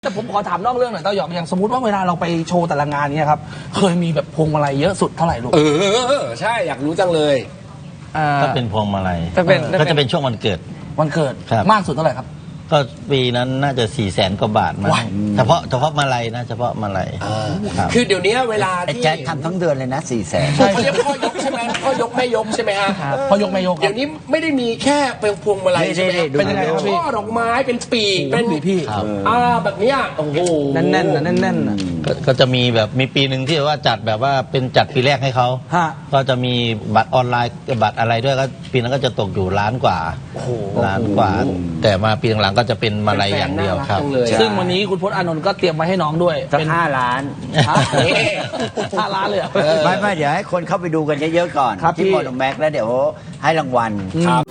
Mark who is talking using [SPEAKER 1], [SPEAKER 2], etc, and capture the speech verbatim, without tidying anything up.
[SPEAKER 1] แต่ผมขอถามนอกเรื่องหน่อยเต้าหยอกอย่างสมมติว่าเวลาเราไปโชว์แต่ละงานเนี่ยครับเคยมีแบบพวงมาลัยเยอะสุดเท่าไหร่ลูก
[SPEAKER 2] เออใช่อยากรู้จังเลย
[SPEAKER 1] อ่า
[SPEAKER 3] ก็เป็นพวงมาลัย
[SPEAKER 1] จะเป็น
[SPEAKER 3] ก็จะเป็นช่วงวันเกิด
[SPEAKER 1] วันเกิด
[SPEAKER 3] ครับ
[SPEAKER 1] มากสุดเท่าไหร่ครับ
[SPEAKER 3] ก็ปีนั้นน่าจะสี่แสนกว่าบาทมั้ง
[SPEAKER 1] ว้าย
[SPEAKER 3] เฉพาะเฉพาะมาลัยนะเฉพาะมาลัยครับ
[SPEAKER 2] คือเดี๋ยวนี้เวลา
[SPEAKER 4] ไอ้
[SPEAKER 2] ที่
[SPEAKER 4] แจ็คทำทั้งเดือนเลยนะสี่แสน
[SPEAKER 2] เขาเรียกพ่อยกใช่ไหมพ่อยกแม่ยกใช่ไหมฮะ
[SPEAKER 1] ครับพอยกไม่ยกค
[SPEAKER 2] เดี๋
[SPEAKER 1] รั
[SPEAKER 2] ย
[SPEAKER 1] บ
[SPEAKER 2] วนี้ไม่ได้มีแค่เป็นพวงมาลัยใช่ไหม
[SPEAKER 4] นี่ๆๆดู
[SPEAKER 1] เป็นยังไงครับพี่
[SPEAKER 2] ช่อดอกไม้เป็นปีกเป็น
[SPEAKER 1] พี่พี่
[SPEAKER 3] ครับ
[SPEAKER 2] อ่าแบบเนี้ยโอ้โห
[SPEAKER 1] แน่นๆนะแน่นๆนะ
[SPEAKER 3] ก็ก็จะมีแบบมีปีหนึ่งที่ว่าจัดแบบว่าเป็นจัดปีแรกให้เขา
[SPEAKER 1] ฮะ
[SPEAKER 3] ก็จะมีบัตรออนไลน์บัตรอะไรด้วยก็ปีนั้นก็จะตกอยู่ล้านกว่า
[SPEAKER 1] โอ้โห
[SPEAKER 3] ล้านกว่า แต่มาปีหลังๆก็จะเป็นมาลัยอย่างเดียวครับ
[SPEAKER 2] เป็นแฟนน่ารักจังเลย
[SPEAKER 1] ซึ่งวันนี้คุณพจน์อานนท์ก็เตรียมไว้ให้น้องด้วย
[SPEAKER 4] สัก
[SPEAKER 1] เป็น
[SPEAKER 4] ห้าล้าน
[SPEAKER 1] ฮะ
[SPEAKER 2] นี่
[SPEAKER 1] ห้าล้านเลยเหรอ
[SPEAKER 4] ไม่ไม่เดี๋ยวให้คนเข้าไปดูกันเยอะๆก่อน
[SPEAKER 1] ครับ
[SPEAKER 4] ที่
[SPEAKER 1] พี่
[SPEAKER 4] โมโนแม็กแล้วเดี๋ยวให้รางวัล
[SPEAKER 1] ครับ